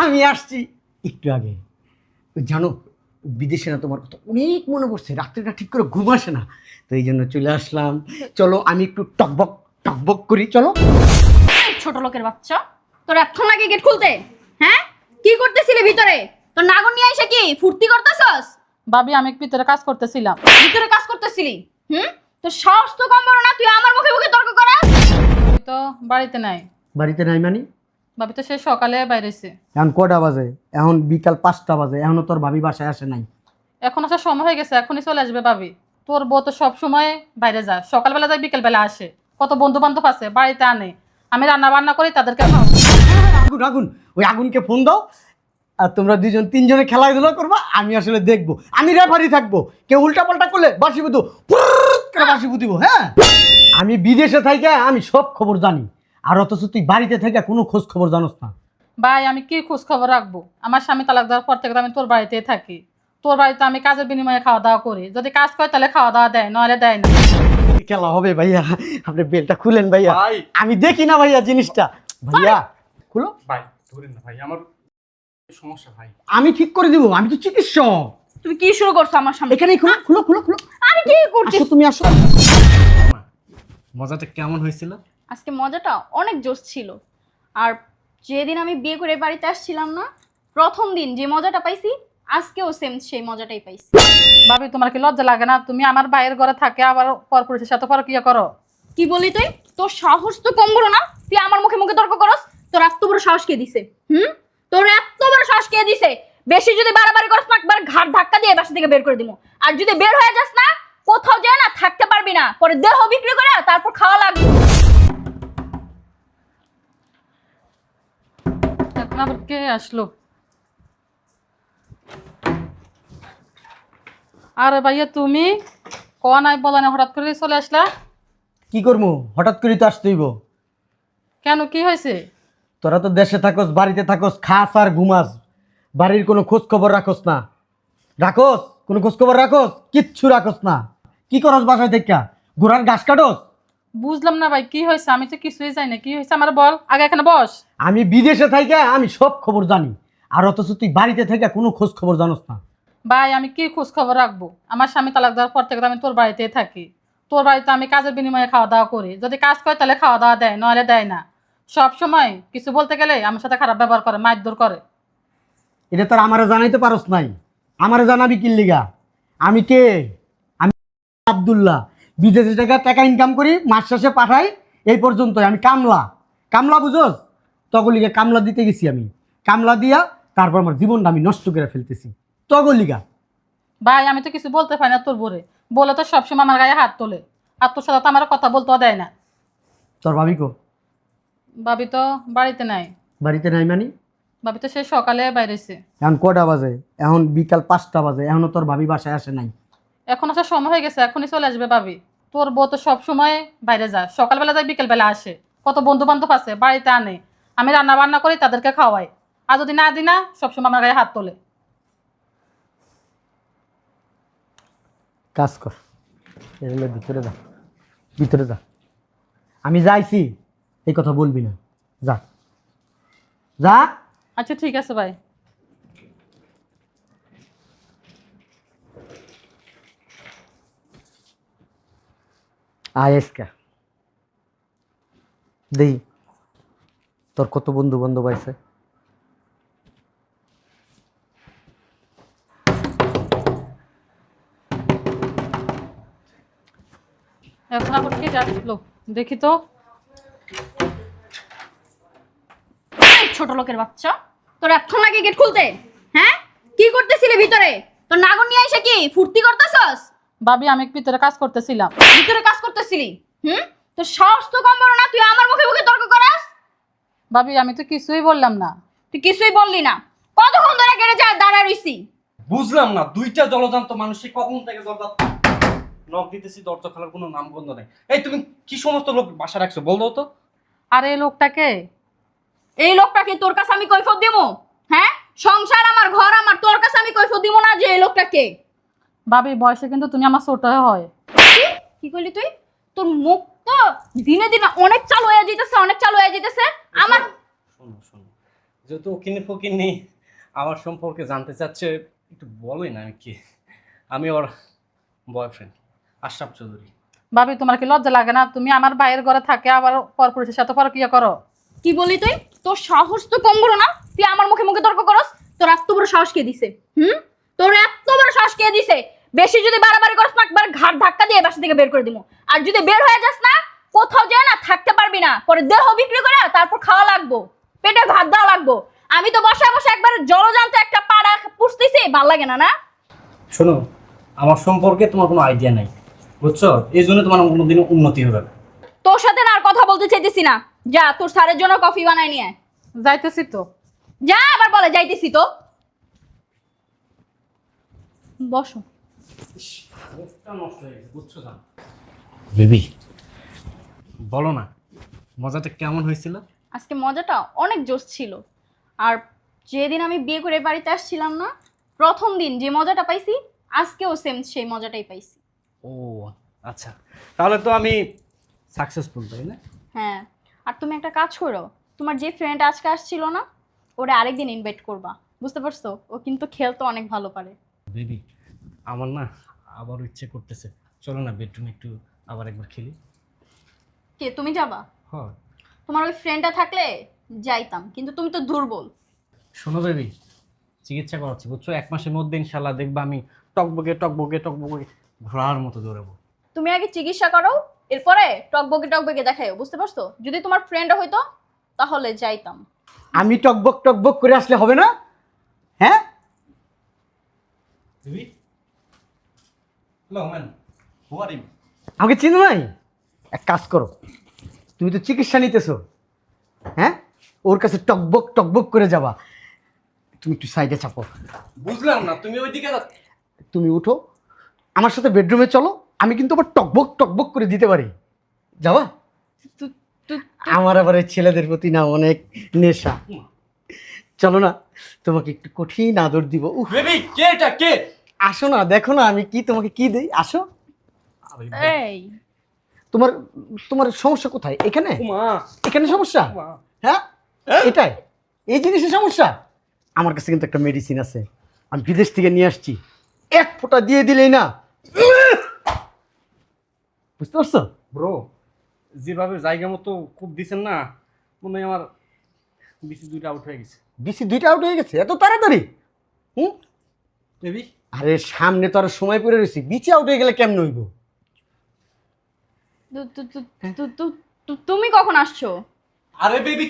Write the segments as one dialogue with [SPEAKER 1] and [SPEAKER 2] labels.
[SPEAKER 1] আমি আসছি একটু আগে। জানো বিদেশে না তোমার কথা অনেক মনে পড়ছে, রাত্রিটা ঠিক করে ঘুম আসে না, তো এই জন্য চলে আসলাম। চলো আমি একটু টকবক টকবক করি, চলো।
[SPEAKER 2] ছোট লোকের বাচ্চা, তোর এতক্ষণ লাগে গেট খুলতে? হ্যাঁ, কি করতেছিলি ভিতরে? তোর নাগর নিয়ে এসে কি ফুর্তি করতেছস?
[SPEAKER 3] ভাবি আমি ভিতরে কাজ করতেছিলাম।
[SPEAKER 2] ভিতরে কাজ করতেছিলি? তোর সাহস তো কম বড় না, তুই আমার মুখে মুখে তর্ক করাস?
[SPEAKER 3] ভাবি তো বাড়িতে নাই।
[SPEAKER 1] বাড়িতে নাই মানে?
[SPEAKER 3] ভাবি তো সে সকালে বাইরেছে।
[SPEAKER 1] এখন কটা বাজে? এখন বিকাল 5টা বাজে, এখনো তোর ভাবি বাসায় আসে নাই।
[SPEAKER 3] এখন আসার সময় হয়ে গেছে, এখনই চলে আসবে ভাবি। তোর বউ তো সব সময় বাইরে যায়, সকালবেলা যায় বিকেলবেলা আসে, কত বন্ধু বান্ধব আছে বাড়িতে আনে, আমি রান্না বান্না করি তাদেরকে খাওয়াই।
[SPEAKER 1] আগুন আগুন, ওই আগুনকে ফোন দাও, আর তোমরা দুজন তিনজনে খেলাধুলা করবা, আমি আসলে দেখবো, আমি রেফারি থাকবো। কেউ উল্টা পাল্টা করলে বাসি বুধু করে বাসি বুধিব। হ্যাঁ, আমি বিদেশে থাইকা আমি সব খবর জানি, আর অথচ তুই বাড়িতে থেকে কোনো খোঁজ খবর জানোস না।
[SPEAKER 3] ভাই আমি কি খোঁজ খবর রাখবো? আমার স্বামী তালাক দেওয়ার পর থেকে তো আমি তোর বাড়িতেই থাকি। তোর বাড়িতে আমি কাজের বিনিময়ে খাওয়া দাওয়া করি, যদি কাজ করে তাহলে খাওয়া দাওয়া দেয়, নাহলে দেয় না।
[SPEAKER 1] খেলা হবে ভাইয়া, আপনি বেলটা খুলেন ভাইয়া, আমি দেখি না ভাইয়া জিনিসটা। ভাইয়া খুলো
[SPEAKER 4] ভাই, ধরেন না ভাই, আমার সমস্যা ভাই।
[SPEAKER 1] আমি ঠিক করে দিব, আমি তো চিকিৎসক।
[SPEAKER 2] তুমি কি শুরু করছো আমার সামনে?
[SPEAKER 1] এখানেই খুলো খুলো খুলো খুলো।
[SPEAKER 2] আরে কি করছিস?
[SPEAKER 1] আসো তুমি আসো।
[SPEAKER 4] মজাটা কেমন হয়েছিল?
[SPEAKER 2] আজকে মজাটা অনেক জোশ ছিল। আর যেদিন আমি বিয়ে করে বাড়িতে আসছিলাম না, প্রথম দিন যে মজাটা পাইছি, আজকেও সেম সেই মজাটাই পাইছি।
[SPEAKER 3] ভাবি তোমার কি লজ্জা লাগে না? তুমি আমার ভাইয়ের ঘরে থাকে আবার পরপুরুষের সাথে পরকিয়া করো।
[SPEAKER 2] কি বলি তুই? তোর সাহস তো কম বড় না, তুই আমার মুখে মুখে তর্ক করস? তোর এত বড় সাহস কে দিছে? তোর এত বড় সাহস কে দিছে? বেশি যদি বাড়াবাড়ি করস না, একবার ঘাট ধাক্কা দিয়ে বাসা থেকে বের করে দিমু। আর যদি বের হয়ে যাস না, কোথাও যায় না থাকতে পারবি না, পরে দেহ বিক্রি করে তারপর খাওয়া লাগবে।
[SPEAKER 3] এখন আবার কে আসলো? আরে ভাইয়া তুমি কয়া নাই বলা না, হঠাৎ করে চলে আসলা?
[SPEAKER 1] কি করবো, হঠাৎ করে তো আসতেইব।
[SPEAKER 3] কেন, কি হয়েছে?
[SPEAKER 1] তোরা তো দেশে থাকস, বাড়িতে থাকস, খাস আর ঘুমাস, বাড়ির কোনো খোঁজ খবর রাখস না। রাখস কোনো খোঁজ খবর? রাখস কিচ্ছু রাখস না। কি করস বাসায় থেকে? ঘোড়ার ঘাস কাটস?
[SPEAKER 3] বুঝলাম না ভাই, কি হয়েছে? আমি তো কিছুই জানি না, কি হয়েছে আমার বল, আগে এখানে বস।
[SPEAKER 1] আমি বিদেশে থাইকা আমি সব খবর জানি, আর অথচ তুই বাড়িতে থেকে কোনো খোঁজ খবর জানোস না।
[SPEAKER 3] ভাই আমি কি খোঁজ খবর রাখবো? আমার স্বামী তালাক দেওয়ার পর থেকে তো আমি তোর বাড়িতেই থাকি। তোর বাড়িতে আমি কাজের বিনিময়ে খাওয়া দাওয়া করি, যদি কাজ করে তাহলে খাওয়া দাওয়া দেয়, নাহলে দেয় না। সব সময় কিছু বলতে গেলে আমার সাথে খারাপ ব্যবহার করে, মারধর করে।
[SPEAKER 1] এটা তোর আমারে জানাইতে পারস নাই, আমারে জানাবি কি লিগা? আমি কে? আমি আব্দুল্লাহ, বিদেশে টাকা টাকা ইনকাম করি, মাস শেষে পাঠাই, এই পর্যন্তই। আমি কামলা, কামলা বুঝোস? তগলিগা কামলা দিতে গেছি আমি, কামলা দিয়া তারপর আমার জীবনটা আমি নষ্ট করে ফেলতেছি তগলিগা।
[SPEAKER 3] ভাই আমি তো কিছু বলতে পারি না তোর বোরে, বলে তো সবসময় আমার গায়ে হাত তোলে, আর তোর সাথে তো আমার কথা বলতেও দেয় না।
[SPEAKER 1] তোর ভাবি কো?
[SPEAKER 3] ভাবি তো বাড়িতে নাই।
[SPEAKER 1] বাড়িতে নাই মানে?
[SPEAKER 3] ভাবি তো সে সকালে বাইরেছে।
[SPEAKER 1] এখন কটা বাজে? এখন বিকাল 5টা বাজে, এখনো তোর ভাবি বাসায় আসে নাই।
[SPEAKER 3] এখন আসার সময় হয়ে গেছে, এখনই চলে আসবে ভাবি। তোর বউ তো সব সময় বাইরে যায়, সকালবেলা যায় বিকেলবেলা আসে, কত বন্ধু বান্ধব আছে বাড়িতে আনে, আমি রান্না বান্না করি তাদেরকে খাওয়াই, আর যদি না দিই না সবসময় আমার গায়ে হাত তোলে।
[SPEAKER 1] কাজ কর, এগুলো ভিতরে যা, ভিতরে যা। আমি যাইছি এই কথা বলবি না, যা যা।
[SPEAKER 3] আচ্ছা ঠিক আছে ভাই।
[SPEAKER 1] আয়েসকা দেই, তোর কত বন্ধু বান্ধব আছে।
[SPEAKER 3] এখন আবার কে যাচ্ছিল দেখি তো।
[SPEAKER 2] ছোট লোকের বাচ্চা, তোর এতক্ষণ লাগে গেট খুলতে? হ্যাঁ, কি করতেছিলি ভিতরে? তোর নাগর নিয়ে এসে কি ফুর্তি করতেছস?
[SPEAKER 3] ভাবি আমি ভিতরে কাজ করতেছিলাম।
[SPEAKER 2] ভিতরে কাজ করতেছিলি? তোর সাহস তো কম বড় না, তুই আমার মুখে মুখে তর্ক করাস?
[SPEAKER 3] ভাবি আমি তো কিছুই বললাম না।
[SPEAKER 2] তুই কিছুই বললি না? কতক্ষণ ধরে গেড়ে যা দাঁড়া রইছি?
[SPEAKER 4] বুঝলাম না, দুইটা জলজান্ত মানুষ কখন থেকে দরজা নক দিতেছি, দরজা খোলার কোনো নামগন্ধ নেই। এই তুমি কি সমস্ত লোক বাসা রাখছো বল দাও তো।
[SPEAKER 3] আর এই লোকটাকে?
[SPEAKER 2] এই লোকটাকে তোর কাছে আমি কৈফত দিমু? হ্যাঁ, সংসার আমার, ঘর আমার, তোর কাছে আমি কৈফত দিমু না যে এই লোকটাকে?
[SPEAKER 3] ভাবি বয়সে কিন্তু তুমি আমার ছোট হয়।
[SPEAKER 2] কি কইলি তুই? তোর মুখ তো দিনে দিনে অনেক চালু হয়ে যাইতেছে, অনেক চালু হয়ে যাইতেছে। আমার
[SPEAKER 4] শোনো শোনো, যেহেতু ওকিনি ফকিনি আমার সম্পর্কে জানতে চাচ্ছে, একটু বলোই না আমি কি। আমি ওর বয়ফ্রেন্ড আশরাফ চৌধুরী।
[SPEAKER 3] ভাবি তোমার কি লজ্জা লাগে না? তুমি আমার ভাইয়ের ঘরে থাকে আবার পরপুরুষের সাথে পরকিয়া করো।
[SPEAKER 2] কি বলি তুই? তোর সাহস তো কম বড় না, তুই আমার মুখে মুখে তর্ক করস। তোর এত বড় সাহস কে দিছে? তোর এত বড় সাহস কে দিছে? বেশি যদি বাড়াবাড়ি করস না, একবার ঘাড় ধাক্কা দিয়ে বাসা থেকে বের করে দিমু। আর যদি বের হয়ে যাস না, কোথাও যায় না থাকতে পারবি না, পরে দেহ বিক্রি করে তারপর খাওয়া লাগবো, পেটে ভাত দেওয়া লাগবো। আমি তো বসে বসে একবার জলজান্ত একটা পাড়া পুষতেছি, ভাল লাগে না না?
[SPEAKER 4] শোনো, আমার সম্পর্কে তোমার কোনো আইডিয়া নাই, বুঝছো? এই জন্য তোমার কোনোদিনও উন্নতি হবে না।
[SPEAKER 2] তোর সাথে না আর কথা বলতে চাইতেছি না। যা তোর স্যারের জন্য কফি বানাই নিয়ে আয়।
[SPEAKER 3] যাইতেছি তো।
[SPEAKER 2] যা, আবার বলে যাইতেছি তো। বসো।
[SPEAKER 4] নষ্ট হয়ে গেছে, বুঝছো না? বেবি, বলো না মজাটা কেমন হয়েছিল?
[SPEAKER 2] আজকে মজাটা অনেক জোশ ছিল। আর যেদিন আমি বিয়ে করে বাড়িতে আসছিলাম না, প্রথম দিন যে মজাটা পাইছি, আজকেও সেম সেই মজাটাই পাইছি।
[SPEAKER 4] ও আচ্ছা, তাহলে তো আমি সাকসেসফুল, তাই না?
[SPEAKER 2] হ্যাঁ, আর তুমি একটা কাজ করো, তোমার যে ফ্রেন্ড আজকে আসছিল না, ওরা আরেকদিন ইনভাইট করবা, বুঝতে পারছো? ও কিন্তু খেলতে অনেক ভালো পারে।
[SPEAKER 4] বেবি, আমার না আবারও ইচ্ছে করতেছে, চলো না বেডরুমে একটু আবার একবার খেলি।
[SPEAKER 2] কে, তুমি যাবা?
[SPEAKER 4] হ্যাঁ।
[SPEAKER 2] তোমার ওই ফ্রেন্ডটা থাকলে যাইতাম, কিন্তু তুমি তো দুর্বল।
[SPEAKER 4] শোনো বেবি, চিকিৎসা করাচ্ছি, বুঝছো? 1 মাসের মধ্যে ইনশাল্লাহ দেখবা আমি টকবগে টকবগে টকবগে ঘোড়ার মতো দৌড়াবো।
[SPEAKER 2] তুমি আগে চিকিৎসা করো, এরপরে টকবকে টকবকে দেখাইও, বুঝতে পারছো? যদি তোমার ফ্রেন্ড হইতো তাহলে যাইতাম।
[SPEAKER 1] আমি টকবক টকবক করে আসলে হবে না? হ্যাঁ,
[SPEAKER 4] baby, hello man, who are you?
[SPEAKER 1] আমাকে চিনো নাই? এক কাজ করো, তুমি তো চিকিৎসা নিতেছো, হ্যাঁ? ওর কাছে টকবক টকবক করে যাবা। তুমি একটু সাইডে চাপো।
[SPEAKER 4] বুঝলাম না, তুমি ওইদিকে
[SPEAKER 1] তুমি উঠো, আমার সাথে বেডরুমে চলো, আমি কিন্তু আবার টকবক টকবক করে দিতে পারি। যাবা? আমার আবার এই ছেলেদের প্রতি না অনেক নেশা। চলো না, তোমাকে একটু কঠিন আদর দিব। উফ,
[SPEAKER 4] বেবি, কে এটা? কে?
[SPEAKER 1] আসো না, দেখো না আমি কি তোমাকে কি দেই। আসো।
[SPEAKER 2] এই
[SPEAKER 1] তোমার তোমার সমস্যা কোথায়? এখানে?
[SPEAKER 4] মা,
[SPEAKER 1] এখানে সমস্যা?
[SPEAKER 4] মা।
[SPEAKER 1] হ্যাঁ, এটাই, এই জিনিসের সমস্যা। আমার কাছে কিন্তু একটা মেডিসিন আছে, আমি বিদেশ থেকে নিয়ে আসছি। এক ফোঁটা দিয়ে দিলেই না, বুঝতে পারছো?
[SPEAKER 4] ব্রো, যেভাবে জায়গা মতো খুব দিছেন না, মনে হয় আমার বিসি 2টা আউট হয়ে গেছে।
[SPEAKER 1] বিসি 2টা আউট হয়ে গেছে এত তাড়াতাড়ি? হুম,
[SPEAKER 4] বেবি,
[SPEAKER 1] আরে সামনে তো আর সময় পড়ে রয়েছে, বিচি আউট হয়ে গেলে কেমন হইব?
[SPEAKER 2] তুমি কখন আসছো?
[SPEAKER 4] আরে বেবি,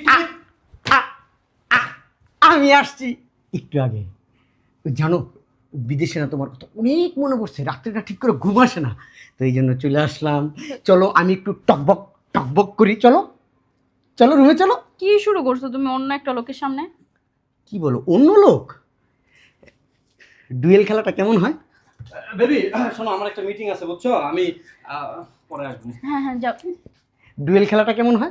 [SPEAKER 1] আমি আসছি একটু আগে। জানো, বিদেশে না তোমার কথা অনেক মনে পড়ছে, রাত্রিটা ঠিক করে ঘুম আসে না, তো এই জন্য চলে আসলাম। চলো আমি একটু টকবক টকবক করি, চলো চলো রুমে চলো।
[SPEAKER 2] কি শুরু করছো তুমি অন্য একটা লোকের সামনে?
[SPEAKER 1] কি বলো অন্য লোক? ডুয়েল খেলাটা কেমন হয়?
[SPEAKER 4] বেবি শোনো, আমার একটা মিটিং আছে, বুঝছো? আমি পরে আসবো।
[SPEAKER 2] হ্যাঁ হ্যাঁ, যাও।
[SPEAKER 1] ডুয়েল খেলাটা কেমন হয়?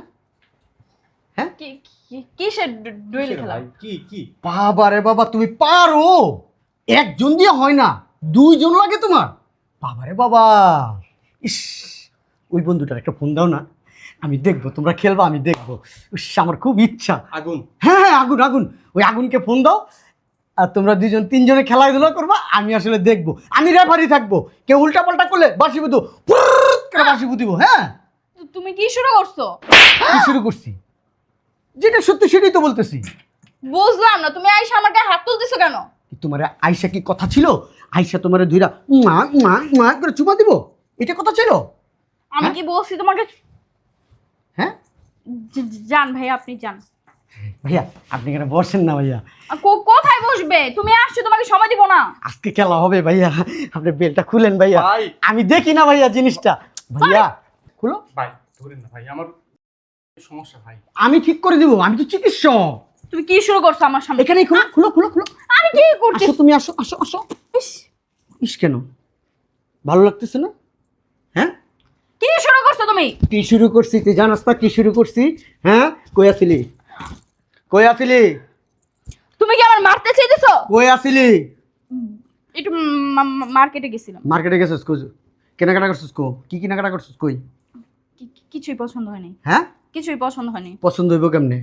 [SPEAKER 2] কিসের ডুয়েল খেলা?
[SPEAKER 4] ভাই, কি কি?
[SPEAKER 1] বাবা রে বাবা, তুমি পারো! একজন দিয়ে হয় না, 2 জন লাগে তোমার। বাবা রে বাবা, ইস, ওই বন্ধুটার একটা ফোন দাও না, আমি দেখবো তোমরা খেলবা, আমি দেখবো। ইস, আমার খুব ইচ্ছা।
[SPEAKER 4] আগুন?
[SPEAKER 1] হ্যাঁ হ্যাঁ, আগুন আগুন, ওই আগুনকে ফোন দাও, আর তোমরা 2 জন 3 জনে খেলাধুলা করবা, আমি আসলে দেখবো, আমি রেফারি থাকবো। কেউ উল্টা পাল্টা করলে বাসি বুধু বাসি বুধিব। হ্যাঁ,
[SPEAKER 2] তুমি কি শুরু করছো?
[SPEAKER 1] কি শুরু করছি? যেটা সত্যি সেটাই তো বলতেছি।
[SPEAKER 2] বুঝলাম না, তুমি আইসা আমার গায়ে হাত তুলতেছো কেন?
[SPEAKER 1] তোমার আয়সা কি কথা ছিল? আয়সা তোমার ধুইরা করে চুমা দিব, এটা কথা ছিল?
[SPEAKER 2] আমি কি বলছি তোমাকে?
[SPEAKER 1] হ্যাঁ
[SPEAKER 2] যান ভাই, আপনি যান।
[SPEAKER 1] ভাইয়া, আপনি এখানে বসেন না ভাইয়া।
[SPEAKER 2] কোথায় বসবে? তুমি আসছো, তোমাকে সময় দিব না।
[SPEAKER 1] আজকে খেলা হবে ভাইয়া, আপনি বেলটা খুলেন ভাইয়া।
[SPEAKER 4] ভাই।
[SPEAKER 1] আমি দেখি না ভাইয়া জিনিসটা। ভাইয়া খুলো।
[SPEAKER 4] ভাই ধরেন না ভাই, আমার সমস্যা ভাই।
[SPEAKER 1] আমি ঠিক করে দিব, আমি তো চিকিৎসক।
[SPEAKER 2] তুমি কি শুরু করছো আমার সামনে?
[SPEAKER 1] এখানেই খুলো খুলো খুলো খুলো।
[SPEAKER 2] আমি কি করছি?
[SPEAKER 1] আসো তুমি, আসো আসো আসো।
[SPEAKER 2] ইস,
[SPEAKER 1] ইস, কেন ভালো লাগতেছে না? হ্যাঁ,
[SPEAKER 2] কি শুরু করছো তুমি?
[SPEAKER 1] কি শুরু করছি তুই জানাস না? কি শুরু করছি? হ্যাঁ, কই আসিলি? কই আসিলি?
[SPEAKER 2] তুমি কি আমার মারতে চাইতেছো?
[SPEAKER 1] কই আসিলি?
[SPEAKER 2] একটু মার্কেটে গেছিলাম।
[SPEAKER 1] মার্কেটে গেছিস কই? কেনাকাটা করছিস কো? কি কেনাকাটা করছিস কই?
[SPEAKER 2] কিছুই পছন্দ হয়নি।
[SPEAKER 1] হ্যাঁ,
[SPEAKER 2] কিছুই পছন্দ হয়নি।
[SPEAKER 1] পছন্দ হইব কেমনে?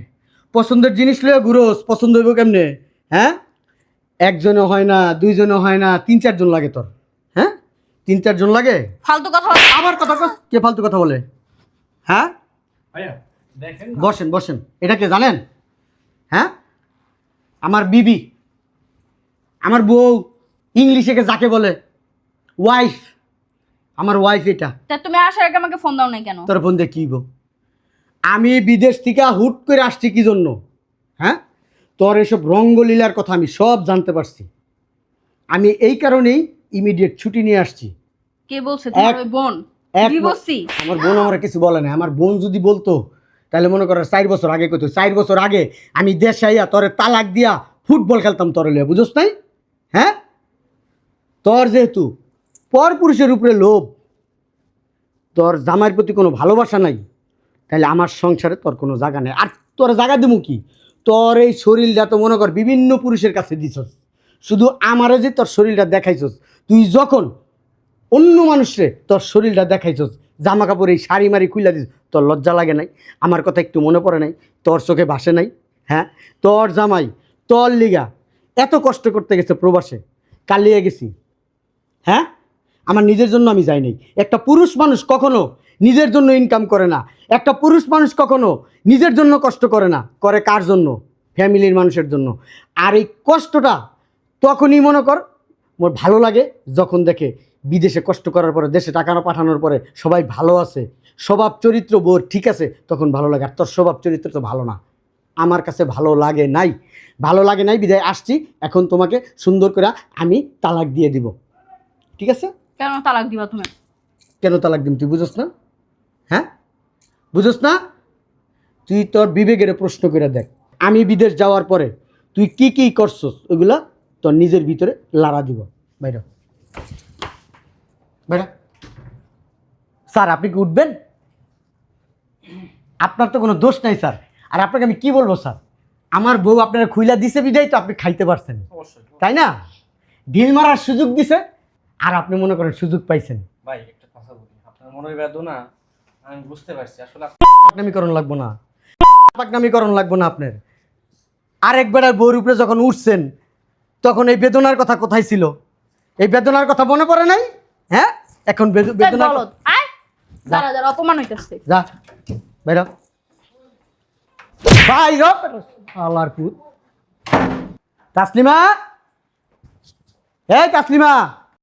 [SPEAKER 1] পছন্দের জিনিস লয়ে ঘুরোস, পছন্দ হইব কেমনে? হ্যাঁ, একজনও হয় না, দুইজনও হয় না, 3-4 জন লাগে তোর। হ্যাঁ, 3-4 জন লাগে।
[SPEAKER 2] ফালতু কথা বল।
[SPEAKER 1] আবার কথা কস, কে ফালতু কথা বলে? হ্যাঁ,
[SPEAKER 4] ভাইয়া দেখেন না।
[SPEAKER 1] বসেন বসেন। এটা কে জানেন? হ্যাঁ, আমার বিবি, আমার বউ, ইংলিশে যাকে বলে ওয়াইফ, আমার ওয়াইফ এটা।
[SPEAKER 2] তা তুমি আসার আগে আমাকে ফোন দাও নাই কেন?
[SPEAKER 1] তোর ফোন দিয়ে কি গো? আমি বিদেশ থেকে হুট করে আসছি কি জন্য? হ্যাঁ, তোর এসব রঙ্গলীলার কথা আমি সব জানতে পারছি। আমি এই কারণেই ইমিডিয়েট ছুটি নিয়ে আসছি।
[SPEAKER 2] কে বলছে তোমার ওই বোন? দিবসি?
[SPEAKER 1] আমার বোন আমার কিছু বলে না। আমার বোন যদি বলতো তাহলে মনে করো 4 বছর আগে কইতো। 4 বছর আগে আমি দেশে আইয়া তোরে তালাক দিয়া ফুটবল খেলতাম তোরে লিয়া, বুঝোস নাই? হ্যাঁ, তোর যেহেতু পর পুরুষের উপরে লোভ, তোর জামাইয়ের প্রতি কোনো ভালোবাসা নাই, তাহলে আমার সংসারে তোর কোনো জায়গা নেই। আর তোর জায়গা দেবো কি? তোর এই শরীরটা তো মনে কর বিভিন্ন পুরুষের কাছে দিছস, শুধু আমারে যে তোর শরীরটা দেখাইছস, তুই যখন অন্য মানুষরে তোর শরীরটা দেখাইছস, জামা কাপড় এই শাড়ি মারি খুইলা দিস, তোর লজ্জা লাগে নাই? আমার কথা একটু মনে পড়ে নাই? তোর চোখে ভাসে নাই? হ্যাঁ, তোর জামাই তোর লিগা এত কষ্ট করতে গেছে প্রবাসে, কালিয়ে গেছি। হ্যাঁ, আমার নিজের জন্য আমি যাই নাই। একটা পুরুষ মানুষ কখনো নিজের জন্য ইনকাম করে না। একটা পুরুষ মানুষ কখনো নিজের জন্য কষ্ট করে না, করে কার জন্য? ফ্যামিলির মানুষের জন্য। আর এই কষ্টটা তখনই মনে কর মোর ভালো লাগে যখন দেখে বিদেশে কষ্ট করার পরে, দেশে টাকা না পাঠানোর পরে সবাই ভালো আছে, স্বভাব চরিত্র বোর ঠিক আছে, তখন ভালো লাগে। আর তোর স্বভাব চরিত্র তো ভালো না, আমার কাছে ভালো লাগে নাই। ভালো লাগে নাই বিদায় আসছি। এখন তোমাকে সুন্দর করে আমি তালাক দিয়ে দিব, ঠিক আছে?
[SPEAKER 2] কেন তালাক দিবা তুমি?
[SPEAKER 1] কেন তালাক দিম তুই বুঝোস না? হ্যাঁ, বুঝোস না? তুই তোর বিবেকের প্রশ্ন করে দেখ। আমি বিদেশ যাওয়ার পরে তুই কি কি করছস ওইগুলা তোর নিজের ভিতরে লাড়া দিব। বাইরে বাইরে। স্যার, আপনি কি উঠবেন? আপনার তো কোনো দোষ নাই স্যার। আর আপনাকে আমি কি বলবো স্যার? আমার বউ আপনারা খুইলা দিছে বিদায় তো আপনি খাইতে পারছেন,
[SPEAKER 4] অবশ্যই
[SPEAKER 1] তাই না? ঢিল মারার সুযোগ দিছে আর আপনি মনে করেন সুযোগ পাইছেন।
[SPEAKER 4] ভাই, একটা কথা বলি, আপনার মনের বেদনা আমি বুঝতে পারছি। আসলে
[SPEAKER 1] পাকনামিকরণ লাগবো না, পাকনামিকরণ লাগবো না আপনার। আরেক বেড়ার বউর উপরে যখন উঠছেন তখন এই বেদনার কথা কোথায় ছিল? এই বেদনার কথা মনে পড়ে নাই? হ্যাঁ, এখন বেদনা।
[SPEAKER 2] বলদ আয়, যারা যারা অপমান হইতাছে।
[SPEAKER 1] যা বাইর বাইর আল্লাহর পুত। তাসলিমা, এই তাসলিমা।